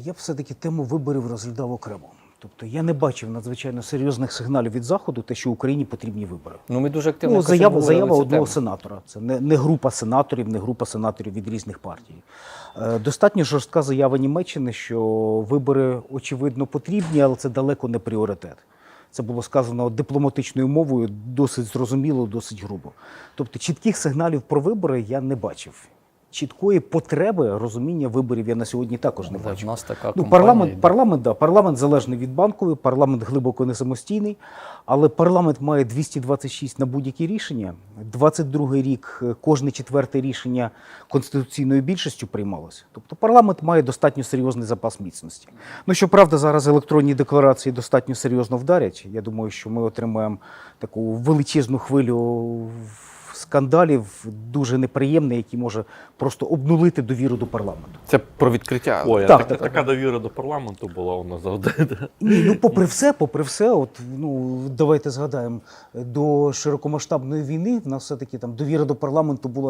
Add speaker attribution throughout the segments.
Speaker 1: Я б все-таки тему виборів розглядав окремо. Тобто я не бачив надзвичайно серйозних сигналів від Заходу, те, що Україні потрібні вибори.
Speaker 2: Ну, ми дуже активно
Speaker 1: Заява одного
Speaker 2: тему.
Speaker 1: сенатора. Це не група сенаторів, не група сенаторів від різних партій. Достатньо жорстка заява Німеччини, що вибори, очевидно, потрібні, але це далеко не пріоритет. Це було сказано дипломатичною мовою, досить зрозуміло, досить грубо. Тобто чітких сигналів про вибори я не бачив. Чіткої потреби розуміння виборів я на сьогодні також не бачу.
Speaker 2: В нас така компанія,
Speaker 1: парламент залежний від Банкової, парламент глибоко не самостійний, але парламент має 226 на будь-які рішення. 22-й рік кожне четверте рішення конституційною більшістю приймалося. Тобто парламент має достатньо серйозний запас міцності. Ну, щоправда, зараз електронні декларації достатньо серйозно вдарять. Я думаю, що ми отримаємо таку величезну хвилю скандалів, дуже неприємний, який може просто обнулити довіру до парламенту.
Speaker 3: Це про відкриття.
Speaker 4: Ой,
Speaker 1: Так,
Speaker 4: така довіра до парламенту була у нас завжди.
Speaker 1: Ні, ну попри все, от, ну, давайте згадаємо, до широкомасштабної війни в нас все-таки там довіра до парламенту була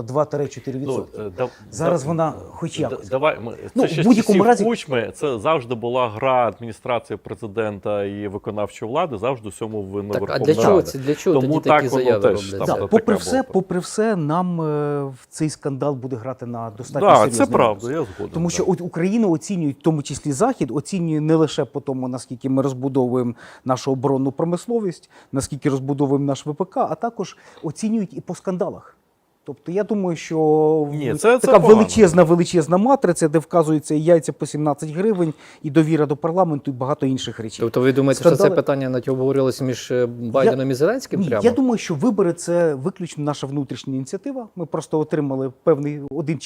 Speaker 1: 2-4%. Зараз вона хоч якось.
Speaker 4: Давай,
Speaker 1: Ну,
Speaker 4: це ще
Speaker 1: в будь-якому разі-
Speaker 4: Кучми, це завжди була гра адміністрації президента і виконавчої влади, завжди всьому винна
Speaker 2: Так, а
Speaker 4: Верховна
Speaker 2: для чого
Speaker 4: Рада.
Speaker 2: це? Для чого
Speaker 4: Тому
Speaker 2: тоді
Speaker 4: так
Speaker 2: такі
Speaker 4: воно
Speaker 2: заяви
Speaker 4: теж
Speaker 2: робляться?
Speaker 4: там
Speaker 1: Да,
Speaker 4: така
Speaker 1: попри все, нам цей скандал буде грати на достатньо
Speaker 4: Так,
Speaker 1: серйозний
Speaker 4: це правда,
Speaker 1: градус.
Speaker 4: я згоден.
Speaker 1: Тому що
Speaker 4: да.
Speaker 1: Україну оцінюють, в тому числі Захід, оцінює не лише по тому, наскільки ми розбудовуємо нашу оборонну промисловість, наскільки розбудовуємо наш ВПК, а також оцінюють і по скандалах. Тобто я думаю, що
Speaker 4: Ні, це
Speaker 1: така
Speaker 4: погано.
Speaker 1: величезна матриця, де вказуються і яйця по 17 гривень, і довіра до парламенту, і багато інших речей.
Speaker 2: Тобто ви думаєте, що це
Speaker 1: Скандали-
Speaker 2: питання навіть обговорювалося між Байденом і Зеленським
Speaker 1: Ні,
Speaker 2: прямо?
Speaker 1: я думаю, що вибори – це виключно наша внутрішня ініціатива. Ми просто отримали певний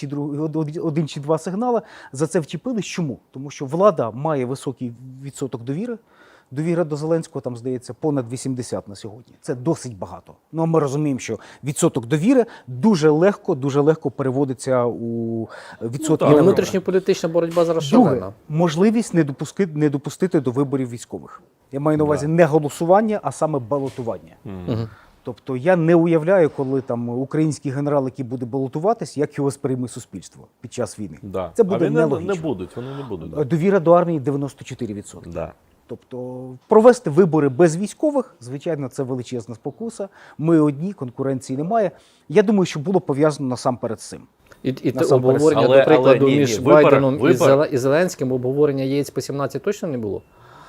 Speaker 1: один чи два сигнали. За це вчепились. Чому? Тому що влада має високий відсоток довіри. Довіра до Зеленського, там, здається, понад 80 на сьогодні. Це досить багато. Ну, а ми розуміємо, що відсоток довіри дуже легко переводиться у відсоток.
Speaker 2: І внутрішньополітична боротьба зараз
Speaker 1: Друге,
Speaker 2: шалена.
Speaker 1: можливість не допустити до виборів військових. Я маю на увазі не голосування, а саме балотування. Тобто я не уявляю, коли там український генерал, який буде балотуватись, як його сприйме суспільство під час війни.
Speaker 4: Да.
Speaker 1: Це буде
Speaker 4: а вони
Speaker 1: нелогічно.
Speaker 4: не будуть, вони не будуть. Да.
Speaker 1: Довіра до армії 94%.
Speaker 4: Да.
Speaker 1: Тобто провести вибори без військових, звичайно, це величезна спокуса. Ми одні, конкуренції немає. Я думаю, що було пов'язано насамперед з цим.
Speaker 2: І те
Speaker 1: Насамперед.
Speaker 2: обговорення,
Speaker 4: Але-
Speaker 2: до прикладу,
Speaker 4: але ні,
Speaker 2: між
Speaker 4: вибори-
Speaker 2: Байденом
Speaker 4: вибори-
Speaker 2: і Зеленським, обговорення яєць по 17 точно не було?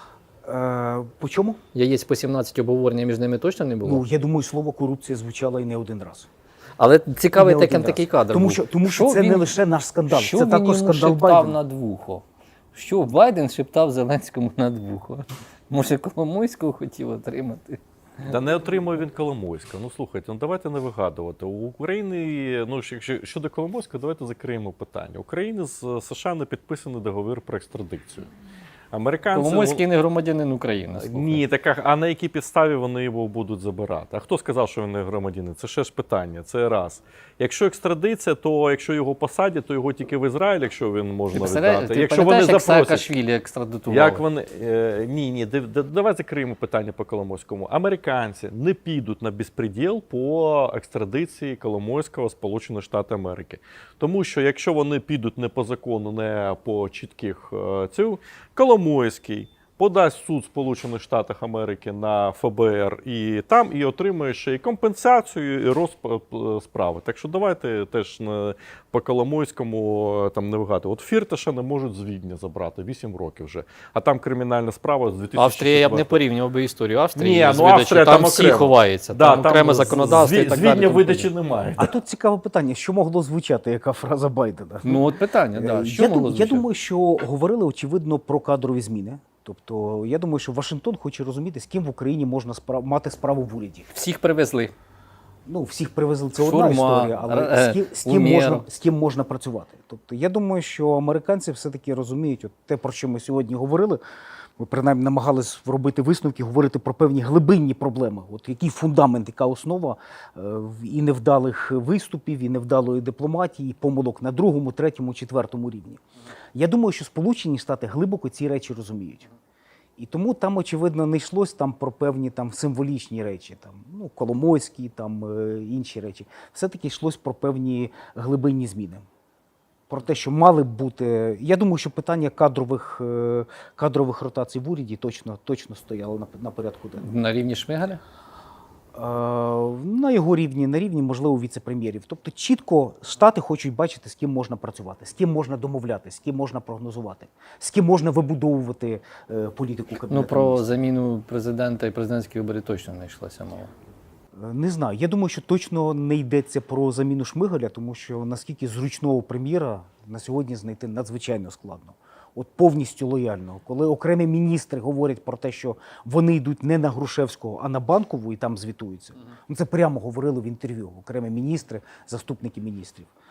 Speaker 1: По чому?
Speaker 2: Яєць по 17 обговорення між ними точно не було?
Speaker 1: Ну, я думаю, слово корупція звучало і не один раз.
Speaker 2: Але цікавий
Speaker 1: І не один
Speaker 2: такий
Speaker 1: раз.
Speaker 2: кадр
Speaker 1: Тому
Speaker 2: був.
Speaker 1: що це не лише наш скандал,
Speaker 5: Що
Speaker 1: це
Speaker 5: він
Speaker 1: також
Speaker 5: йому
Speaker 1: скандал
Speaker 5: шептав
Speaker 1: Байдена.
Speaker 5: над вухо? Що Байден шептав Зеленському над вухо? Може, Коломойського хотів отримати?
Speaker 4: Та не отримує він Коломойська. Ну слухайте, ну давайте не вигадувати. У України, ну якщо щодо Коломойська, давайте закриємо питання. У України з США не підписаний договір про екстрадикцію. Американці
Speaker 5: Коломойський не громадянин України. слухай.
Speaker 4: ні, така, а на якій підставі вони його будуть забирати? А хто сказав, що він не громадянин? Це ще ж питання. Це раз. Якщо екстрадиція, то якщо його посадять, то його тільки в Ізраїль, якщо він можна віддати.
Speaker 5: Ти
Speaker 4: Якщо вони
Speaker 5: пам'ятаєш, як
Speaker 4: запросять.
Speaker 5: Саакашвілі екстрадитували?
Speaker 4: Як вони ні, давай закриємо питання по Коломойському. Американці не підуть на безпреділ по екстрадиції Коломойського в Сполучені Штати Америки. Тому що якщо вони підуть не по закону, не по чітких цю, Коломойський подасть в суд Сполучених Штатів Америки на ФБР і там і отримує ще і компенсацію, і розпад справи. Так що давайте теж по Коломойському там не вигадувати. От Фірташа не можуть з Відня забрати 8 років вже. А там кримінальна справа з 2004
Speaker 5: Австрія, я б не порівнював би історію Австрії.
Speaker 4: Ні,
Speaker 5: з
Speaker 4: ну
Speaker 5: видачі.
Speaker 4: Австрія
Speaker 5: там
Speaker 4: там
Speaker 5: всі
Speaker 4: окремо.
Speaker 5: ховаються,
Speaker 4: Да,
Speaker 5: там окреме законодавство і так
Speaker 4: з
Speaker 5: далі.
Speaker 4: Відня
Speaker 5: тому
Speaker 4: видачі
Speaker 5: подібне.
Speaker 4: немає.
Speaker 1: А тут цікаве питання, що могло звучати, яка фраза Байдена?
Speaker 5: Ну от питання, да. Що
Speaker 1: я,
Speaker 5: могло
Speaker 1: я
Speaker 5: звучати?
Speaker 1: думаю, що говорили, очевидно, про кадрові зміни. Тобто, я думаю, що Вашингтон хоче розуміти, з ким в Україні можна мати справу в уряді.
Speaker 5: Всіх привезли.
Speaker 1: Ну, всіх привезли, це одна
Speaker 5: Шурма,
Speaker 1: історія, але
Speaker 5: Умєр.
Speaker 1: з ким можна працювати. Тобто, я думаю, що американці все-таки розуміють, от те, про що ми сьогодні говорили, ми принаймні намагались робити висновки, говорити про певні глибинні проблеми. От який фундамент, яка основа і невдалих виступів, і невдалої дипломатії, і помилок на другому, третьому, четвертому рівні. Я думаю, що Сполучені Штати глибоко ці речі розуміють. І тому там, очевидно, не йшлось там про певні там символічні речі, там, ну, Коломойські, там інші речі. Все-таки йшлось про певні глибинні зміни. про те, що мали б бути. Я думаю, що питання кадрових ротацій в уряді точно стояло на порядку денному.
Speaker 5: На рівні Шмигаля?
Speaker 1: На його рівні, на рівні, можливо, віце-прем'єрів. Тобто чітко Штати хочуть бачити, з ким можна працювати, з ким можна домовлятися, з ким можна прогнозувати, з ким можна вибудовувати політику Кабінету
Speaker 5: Ну, про
Speaker 1: Міністрів.
Speaker 5: заміну президента і президентські вибори точно не йшлася мова.
Speaker 1: Не знаю. Я думаю, що точно не йдеться про заміну Шмигаля, тому що наскільки зручного прем'єра на сьогодні знайти надзвичайно складно. От повністю лояльного. Коли окремі міністри говорять про те, що вони йдуть не на Грушевського, а на Банкову і там звітуються. Ну, це прямо говорили в інтерв'ю окремі міністри, заступники міністрів.